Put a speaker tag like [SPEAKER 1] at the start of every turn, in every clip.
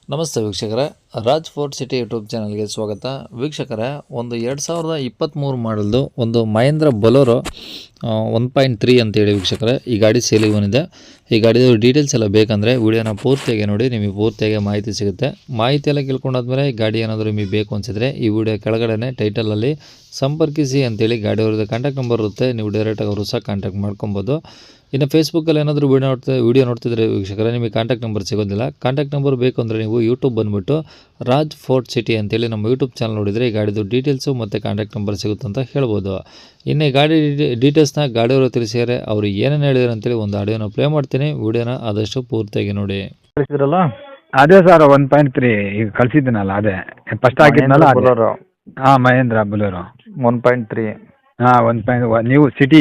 [SPEAKER 1] ನಮಸ್ತೆ ವೀಕ್ಷಕರೇ, Raj fort city YouTube ಚಾನಲ್ಗೆ ಸ್ವಾಗತ. ವೀಕ್ಷಕರೇ, ಒಂದು 2023 ಮಾಡಲ್ದು ಒಂದು ಮಹೇಂದ್ರ ಬೊಲೊರೋ 1.3 ಅಂತೇಳಿ ವೀಕ್ಷಕರೇ ಈ ಗಾಡಿ ಸೇಲಿಗೆ ಬಂದಿದೆ. ಈ ಗಾಡಿದು ಡೀಟೇಲ್ಸ್ ಎಲ್ಲ ಬೇಕಂದರೆ ವಿಡಿಯೋನ ಪೂರ್ತಿಯಾಗಿ ನೋಡಿ, ನಿಮಗೆ ಪೂರ್ತಿಯಾಗಿ ಮಾಹಿತಿ ಸಿಗುತ್ತೆ. ಮಾಹಿತಿ ಎಲ್ಲ ಕೇಳ್ಕೊಂಡಾದ್ಮೇಲೆ ಗಾಡಿ ಏನಾದರೂ ನಿಮಗೆ ಬೇಕು ಅನಿಸಿದ್ರೆ ಈ ವಿಡಿಯೋ ಕೆಳಗಡೆ ಟೈಟಲಲ್ಲಿ ಸಂಪರ್ಕಿಸಿ ಅಂತೇಳಿ ಗಾಡಿಯವ್ರದ್ದು ಕಾಂಟ್ಯಾಕ್ಟ್ ನಂಬರ್ ಇರುತ್ತೆ. ನೀವು ಡೈರೆಕ್ಟಾಗಿ ಅವರು ಸಹ ಕಾಂಟ್ಯಾಕ್ಟ್ ಮಾಡ್ಕೊಬೋದು. ಇನ್ನು ಫೇಸ್ಬುಕ್ಕಲ್ಲಿ ಏನಾದರೂ ವಿಡಿಯೋ ನೋಡ್ತಿದ್ರೆ ವೀಕ್ಷಕರೇ, ನಿಮಗೆ ಕಾಂಟ್ಯಾಕ್ಟ್ ನಂಬರ್ ಸಿಗೋದಿಲ್ಲ. ಕಾಂಟ್ಯಾಕ್ಟ್ ನಂಬರ್ ಬೇಕು ಅಂದರೆ ನೀವು ಯೂಟ್ಯೂಬ್ ಬಂದುಬಿಟ್ಟು ರಾಜ್ ಫೋರ್ಟ್ ಸಿಟಿ ಅಂತೇಳಿ ನಮ್ಮ ಯೂಟ್ಯೂಬ್ ಚಾನಲ್ ನೋಡಿದರೆ ಈ ಗಾಡಿದು ಡೀಟೇಲ್ಸು ಮತ್ತು ಕಾಂಟ್ಯಾಕ್ಟ್ ನಂಬರ್ ಸಿಗುತ್ತೆ ಅಂತ ಹೇಳ್ಬೋದು. ಇನ್ನು ಈ ಗಾಡಿ ಡೀಟೇಲ್ಸ್ನ ಗಾಡಿಯವರು ತಿಳಿಸಿದರೆ ಅವರು ಏನೇನು ಹೇಳಿದ್ರು ಅಂತೇಳಿ ಒಂದು ಆಡಿಯೋನ ಪ್ಲೇ ಮಾಡ್ತೀನಿ. ವಿಡಿಯೋನ ಆದಷ್ಟು ಪೂರ್ತಿಯಾಗಿ ನೋಡಿ.
[SPEAKER 2] ಕಳಿಸಿದ್ರಲ್ಲ
[SPEAKER 3] ಅದೇ ಸರ್ 1.3 ಈಗ ಕಳ್ಸಿದ್ದೀನಲ್ಲ, ಅದೇ ಫಸ್ಟ್ ಹಾಕಿದ್ನಲ್ಲ ಅದೇ.
[SPEAKER 2] ಬೊಲೊರೋ
[SPEAKER 3] ಹಾಂ, ಮಹೇಂದ್ರ ಬೊಲೊರೋ
[SPEAKER 2] 1.3
[SPEAKER 3] ಹಾಂ 1. ನೀವು ಸಿಟಿ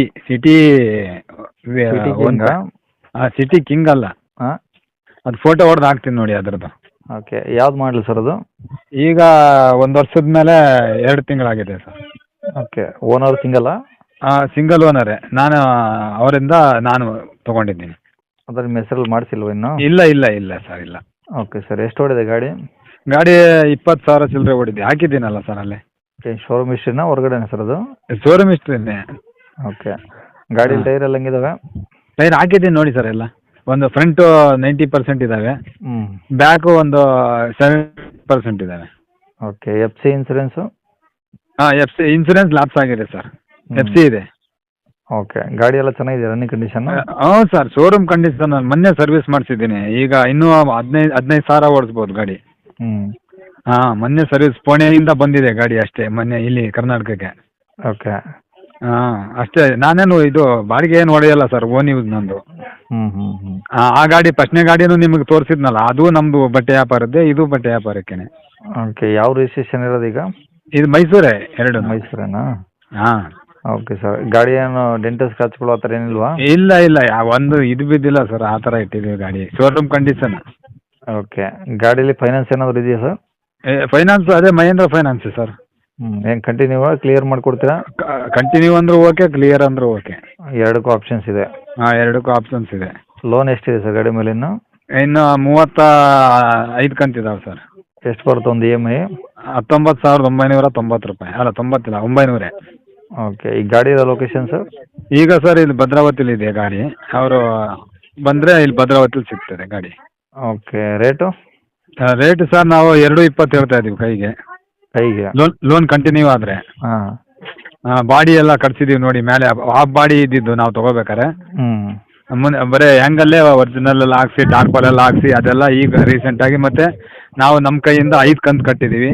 [SPEAKER 3] ಸಿಟಿ ಕಿಂಗ್ ಅಲ್ಲ,
[SPEAKER 2] ಹಾಂ,
[SPEAKER 3] ಅದು ಫೋಟೋ ಹೊಡೆದು ಹಾಕ್ತೀನಿ ನೋಡಿ ಅದ್ರದ್ದು.
[SPEAKER 2] ಓಕೆ. ಯಾವ್ದು ಮಾಡಲಿ ಸರ್ ಅದು?
[SPEAKER 3] ಈಗ 1 ವರ್ಷದ ಮೇಲೆ 2 ತಿಂಗಳಾಗಿದೆ ಸರ್.
[SPEAKER 2] ಓಕೆ. ಓನರ್ ಸಿಂಗಲ್ಲ?
[SPEAKER 3] ಸಿಂಗಲ್ ಓನರೇ, ಅವರಿಂದ ನಾನು ತೊಗೊಂಡಿದ್ದೀನಿ.
[SPEAKER 2] ಅದ್ರ ನಿಮ್ಮ ಹೆಸರಲ್ಲಿ ಮಾಡಿಸಿಲ್ವ ಇನ್ನು?
[SPEAKER 3] ಇಲ್ಲ ಸರ್, ಇಲ್ಲ.
[SPEAKER 2] Okay sir. ಎಷ್ಟು ಓಡಿದೆ ಗಾಡಿ?
[SPEAKER 3] ಗಾಡಿ 20,000 ಚಿಲ್ಲರೆ ಓಡಿದೆ. ಹಾಕಿದ್ದೀನಲ್ಲ ಸರ್ ಅಲ್ಲೇ.
[SPEAKER 2] ಓಕೆ. ಶೋರೂಮ್ ಹಿಸ್ಟ್ರಿನ ಹೊರಗಡೆನ ಸರ್ ಅದು?
[SPEAKER 3] ಶೋರೂಮ್ ಹಿಸ್ಟ್ರಿನೇ.
[SPEAKER 2] ಓಕೆ. ಗಾಡಿ ಟೈರ್ ಎಲ್ಲ ಹೆಂಗಿದಾವೆ?
[SPEAKER 3] ಟೈರ್ ಹಾಕಿದ್ದೀನಿ ನೋಡಿ ಸರ್ ಎಲ್ಲ. ಒಂದು ಫ್ರಂಟು 90% ಇದ್ದಾವೆ,
[SPEAKER 2] ಹ್ಞೂ.
[SPEAKER 3] ಬ್ಯಾಕು ಒಂದು 70% ಇದ್ದಾವೆ.
[SPEAKER 2] ಓಕೆ. F C insurance?
[SPEAKER 3] ಹಾಂ, FC ಇನ್ಸೂರೆನ್ಸ್ ಲ್ಯಾಪ್ಸ್ ಆಗಿದೆ ಸರ್. FC ಇದೆ.
[SPEAKER 2] ಓಕೆ. ಗಾಡಿ ಎಲ್ಲ ಚೆನ್ನಾಗಿದೆ, ರನ್ನಿಂಗ್ ಕಂಡೀಷನ್?
[SPEAKER 3] ಹ್ಞೂ ಸರ್, ಶೋರೂಮ್ ಕಂಡೀಷನ್. ನಾನು ಮೊನ್ನೆ ಸರ್ವಿಸ್ ಮಾಡಿಸಿದ್ದೀನಿ. ಈಗ ಇನ್ನೂ 15,000 ಓಡಿಸ್ಬೋದು ಗಾಡಿ.
[SPEAKER 2] ಹ್ಞೂ.
[SPEAKER 3] ಹಾಂ, ಮೊನ್ನೆ ಸರ್ವಿಸ್ ಪುಣೆಯಿಂದ ಬಂದಿದೆ ಗಾಡಿ ಅಷ್ಟೇ, ಮೊನ್ನೆ ಇಲ್ಲಿ ಕರ್ನಾಟಕಕ್ಕೆ.
[SPEAKER 2] ಓಕೆ.
[SPEAKER 3] ಹಾಂ, ಅಷ್ಟೇ. ನಾನೇನು ಇದು ಬಾಡಿಗೆ ಏನು ಹೊಡೆಯಲ್ಲ ಸರ್, ಓನ್ ಯೂಸ್ ನಂದು.
[SPEAKER 2] ಹ್ಞೂ.
[SPEAKER 3] ಆ ಗಾಡಿ ಫಸ್ಟ್ನೇ ಗಾಡಿನೂ ನಿಮಗೆ ತೋರಿಸಿದ್ನಲ್ಲ, ಅದು ನಮ್ಮದು ಬಟ್ಟೆ ವ್ಯಾಪಾರದ್ದೇ, ಇದು ಬಟ್ಟೆ ವ್ಯಾಪಾರಕ್ಕೇನೆ.
[SPEAKER 2] ಓಕೆ. ಯಾವ ರಿಜಿಸ್ಟ್ರೇಷನ್ ಇರೋದು ಈಗ?
[SPEAKER 3] ಇದು ಮೈಸೂರೇ ಎರಡು.
[SPEAKER 2] ಮೈಸೂರೇನಾ?
[SPEAKER 3] ಹಾಂ.
[SPEAKER 2] Okay sir. ಗಾಡಿ ಏನು ಡೆಂಟಲ್ ಸ್ಕ್ರಾಚ್ಗಳು ಆ ಥರ ಏನಿಲ್ವಾ?
[SPEAKER 3] ಇಲ್ಲ ಒಂದು ಇದು ಬಿದ್ದಿಲ್ಲ ಸರ್, ಆ ಥರ ಇಟ್ಟಿದ್ದೀವಿ ಗಾಡಿ. Showroom condition.
[SPEAKER 2] ಓಕೆ. ಗಾಡೀಲಿ ಫೈನಾನ್ಸ್ ಏನಾದರೂ ಇದೆಯಾ ಸರ್?
[SPEAKER 3] ಫೈನಾನ್ಸ್ ಅದೇ ಮಹೇಂದ್ರ ಫೈನಾನ್ಸ್ ಸರ್.
[SPEAKER 2] ಏನು ಕಂಟಿನ್ಯೂ ಕ್ಲಿಯರ್ ಮಾಡಿಕೊಡ್ತೀರಾ?
[SPEAKER 3] ಕಂಟಿನ್ಯೂ ಅಂದರೂ ಓಕೆ, ಕ್ಲಿಯರ್ ಅಂದರೂ ಓಕೆ.
[SPEAKER 2] ಎರಡಕ್ಕೂ ಆಪ್ಷನ್ಸ್ ಇದೆ?
[SPEAKER 3] ಹಾಂ, ಎರಡಕ್ಕೂ ಆಪ್ಷನ್ಸ್ ಇದೆ.
[SPEAKER 2] ಲೋನ್ ಎಷ್ಟಿದೆ ಸರ್ ಗಾಡಿ ಮೇಲೆ ಇನ್ನು?
[SPEAKER 3] 35 ಕಂತಿದ್ದಾವೆ ಸರ್.
[SPEAKER 2] ಎಷ್ಟು ಬರುತ್ತೆ ಒಂದು EMI?
[SPEAKER 3] 19,990 ರೂಪಾಯಿ. ಅಲ್ಲ, 90 ಇಲ್ಲ, 900.
[SPEAKER 2] ಓಕೆ. ಈ ಗಾಡಿ ಇರೋ ಲೊಕೇಶನ್ ಸರ್?
[SPEAKER 3] ಈಗ ಸರ್ ಇಲ್ಲಿ ಭದ್ರಾವತಿಲಿ ಇದೆ ಗಾಡಿ. ಅವರು ಬಂದರೆ ಇಲ್ಲಿ ಭದ್ರಾವತಿಲಿ ಸಿಗ್ತದೆ ಗಾಡಿ.
[SPEAKER 2] ಓಕೆ. ರೇಟು?
[SPEAKER 3] ರೇಟ್ ಸರ್ ನಾವು 2.20 ಹೇಳ್ತಾ ಇದ್ದೀವಿ ಕೈಗೆ. ಲೋನ್ ಕಂಟಿನ್ಯೂ ಆದರೆ.
[SPEAKER 2] ಹಾಂ.
[SPEAKER 3] ಬಾಡಿ ಎಲ್ಲ ಕಟ್ಸಿದ್ದೀವಿ ನೋಡಿ ಮೇಲೆ. ಹಾಫ್ ಬಾಡಿ ಇದ್ದಿದ್ದು ನಾವು ತೊಗೋಬೇಕಾರೆ.
[SPEAKER 2] ಹ್ಞೂ.
[SPEAKER 3] ಬರೀ ಹ್ಯಾಂಗಲ್ಲೇ ಒರಿಜಿನಲ್ ಎಲ್ಲ ಹಾಕ್ಸಿ, ಟಾರ್ಪಲ್ ಎಲ್ಲ ಹಾಕ್ಸಿ, ಅದೆಲ್ಲ ಈಗ ರೀಸೆಂಟಾಗಿ. ಮತ್ತು ನಾವು ನಮ್ಮ ಕೈಯಿಂದ 5 ಕಂತು ಕಟ್ಟಿದ್ದೀವಿ.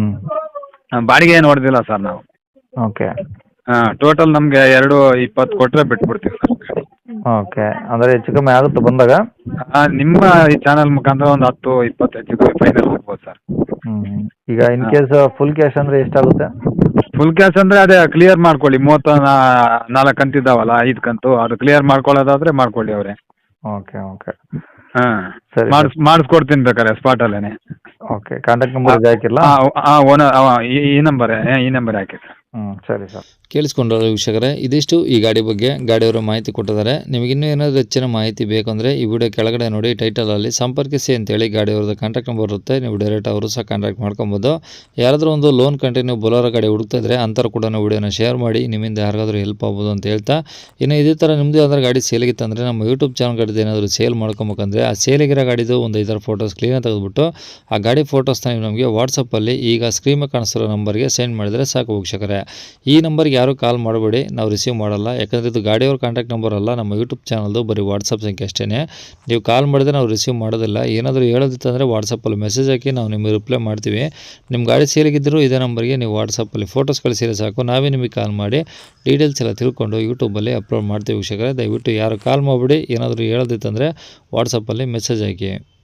[SPEAKER 3] ಬಾಡಿಗೆ ಏನು ಹೊಡೆದಿಲ್ಲ ಸರ್ ನಾವು.
[SPEAKER 2] ಓಕೆ.
[SPEAKER 3] ಟೋಟಲ್ ನಮಗೆ 2.20 ಕೊಟ್ಟರೆ ಬಿಟ್ಬಿಡ್ತೀವಿ ಸರ್.
[SPEAKER 2] ಓಕೆ. ಅಂದರೆ ಹೆಚ್ಚು ಕಮ್ಮಿ ಆಗುತ್ತೆ ಬಂದಾಗ?
[SPEAKER 3] ನಿಮ್ಮ ಈ ಚಾನಲ್ ಮುಖಾಂತರ ಒಂದು 10-20 ಹೆಚ್ಚು ಕಮ್ಮಿ ಫೈನಲ್ ಆಗ್ಬೋದು ಸರ್.
[SPEAKER 2] ಈಗ ಇನ್ ಕೇಸ್ ಫುಲ್ ಕ್ಯಾಶ್ ಅಂದರೆ ಎಷ್ಟಾಗುತ್ತೆ?
[SPEAKER 3] ಫುಲ್ ಕ್ಯಾಶ್ ಅಂದರೆ ಅದೇ ಕ್ಲಿಯರ್ ಮಾಡ್ಕೊಳ್ಳಿ. 34 ಕಂತಿದ್ದಾವಲ್ಲ, 5 ಕಂತು, ಅದು ಕ್ಲಿಯರ್ ಮಾಡ್ಕೊಳ್ಳೋದಾದರೆ ಮಾಡ್ಕೊಳ್ಳಿ ಅವರೇ.
[SPEAKER 2] ಓಕೆ.
[SPEAKER 3] ಹಾಂ,
[SPEAKER 2] ಸರಿ.
[SPEAKER 3] ಮಾಡಿಸ್ಕೊಡ್ತೀನಿ ಬೇಕಾರೆ ಸ್ಪಾಟಲ್ಲೇ.
[SPEAKER 2] ಓಕೆ. ಕಾಂಟ್ಯಾಕ್ಟ್ ನಂಬರ್ ಇದು ಹಾಕಿಲ್ಲ?
[SPEAKER 3] ಓನರ್ ಈ ನಂಬರ್ ಹಾಕಿ.
[SPEAKER 2] ಸರಿ ಸರ್.
[SPEAKER 1] ಕೇಳಿಸ್ಕೊಂಡ್ರಲ್ಲ ವೀಕ್ಷಕರೇ, ಇದಿಷ್ಟು ಈ ಗಾಡಿ ಬಗ್ಗೆ ಗಾಡಿಯವರು ಮಾಹಿತಿ ಕೊಟ್ಟಿದ್ದಾರೆ. ನಿಮಗಿನ್ನೂ ಏನಾದರೂ ಹೆಚ್ಚಿನ ಮಾಹಿತಿ ಬೇಕಂದರೆ ಈ ವಿಡಿಯೋ ಕೆಳಗಡೆ ನೋಡಿ ಟೈಟಲಲ್ಲಿ ಸಂಪರ್ಕಿಸಿ ಅಂತೇಳಿ ಗಾಡಿಯವ್ರದ್ದು ಕಾಂಟ್ಯಾಕ್ಟ್ ನಂಬರ್ ಇರುತ್ತೆ. ನೀವು ಡೈರೆಕ್ಟ್ ಅವರು ಸಹ ಕಾಂಟ್ಯಾಕ್ಟ್ ಮಾಡ್ಕೊಬೋದು. ಯಾರಾದರೂ ಒಂದು ಲೋನ್ ಕಂಟಿನ್ಯೂ ಬೊಲೊರೋ ಗಾಡಿ ಹುಡುಕ್ತಾ ಇದ್ದರೆ ಅಂಥವ್ರು ಕೂಡ ವಿಡಿಯೋನ ಶೇರ್ ಮಾಡಿ, ನಿಮ್ಮಿಂದ ಯಾರಿಗಾದ್ರೂ ಹೆಲ್ಪ್ ಆಗ್ಬೋದು ಅಂತ ಹೇಳ್ತಾ, ಇನ್ನು ಇದೇ ಥರ ನಿಮ್ಮದು ಯಾವ್ದಾದ್ರು ಗಾಡಿ ಸೇಲಿಗಿತ್ತಂದರೆ ನಮ್ಮ ಯೂಟ್ಯೂಬ್ ಚಾನಲ್ ಗಾಡಿದು ಏನಾದರೂ ಸೇಲ್ ಮಾಡ್ಕೊಬೇಕಂದ್ರೆ ಆ ಸೇಲಿಗಿರೋ ಗಾಡಿದು ಒಂದು 5 ಫೋಟೋಸ್ ಕ್ಲೀನಾಗಿ ತೆಗೆದುಬಿಟ್ಟು ಆ ಗಾಡಿ ಫೋಟೋಸ್ನ ನೀವು ನಮಗೆ ವಾಟ್ಸಪ್ಪಲ್ಲಿ ಈಗ ಸ್ಕ್ರೀನ್ ಮೇಲೆ ಕಾಣಿಸ್ತಿರೋ ನಂಬರ್ಗೆ ಸೆಂಡ್ ಮಾಡಿದರೆ ಸಾಕು ವೀಕ್ಷಕರೇ. ಈ ನಂಬರ್ಗೆ ಯಾರೂ ಕಾಲ್ ಮಾಡಬೇಡಿ, ನಾವು ರಿಸೀವ್ ಮಾಡಲ್ಲ. ಯಾಕಂದರೆ ಇದು ಗಾಡಿಯವ್ರ ಕಾಂಟ್ಯಾಕ್ಟ್ ನಂಬರ್ ಅಲ್ಲ, ನಮ್ಮ ಯೂಟ್ಯೂಬ್ ಚಾನಲ್ದು ಬರೀ ವಾಟ್ಸಪ್ ಸಂಖ್ಯೆ ಅಷ್ಟೇ. ನೀವು ಕಾಲ್ ಮಾಡಿದ್ರೆ ನಾವು ರಿಸೀವ್ ಮಾಡೋದಿಲ್ಲ. ಏನಾದರೂ ಹೇಳೋದಿತ್ತಂದರೆ ವಾಟ್ಸಪ್ಪಲ್ಲಿ ಮೆಸೇಜ್ ಹಾಕಿ ನಾವು ನಿಮಗೆ ರಿಪ್ಲೈ ಮಾಡ್ತೀವಿ. ನಿಮ್ಮ ಗಾಡಿ ಸೇಲಿಗಿದ್ದರೂ ಇದೇ ನಂಬರ್ಗೆ ನೀವು ವಾಟ್ಸಪ್ಪಲ್ಲಿ ಫೋಟೋಸ್ ಕಳಿಸಿದ್ರೆ ಸಾಕು, ನಾವೇ ನಿಮಗೆ ಕಾಲ್ ಮಾಡಿ ಡೀಟೇಲ್ಸ್ ಎಲ್ಲ ತಿಳ್ಕೊಂಡು ಯೂಟ್ಯೂಬಲ್ಲಿ ಅಪ್ಲೋಡ್ ಮಾಡ್ತೀವಿ ವೀಕ್ಷಕರೇ. ದಯವಿಟ್ಟು ಯಾರು ಕಾಲ್ ಮಾಡಿಬಿಡಿ. ಏನಾದರೂ ಹೇಳೋದಿತ್ತಂದರೆ ವಾಟ್ಸಪ್ಪಲ್ಲಿ ಮೆಸೇಜ್ ಹಾಕಿ.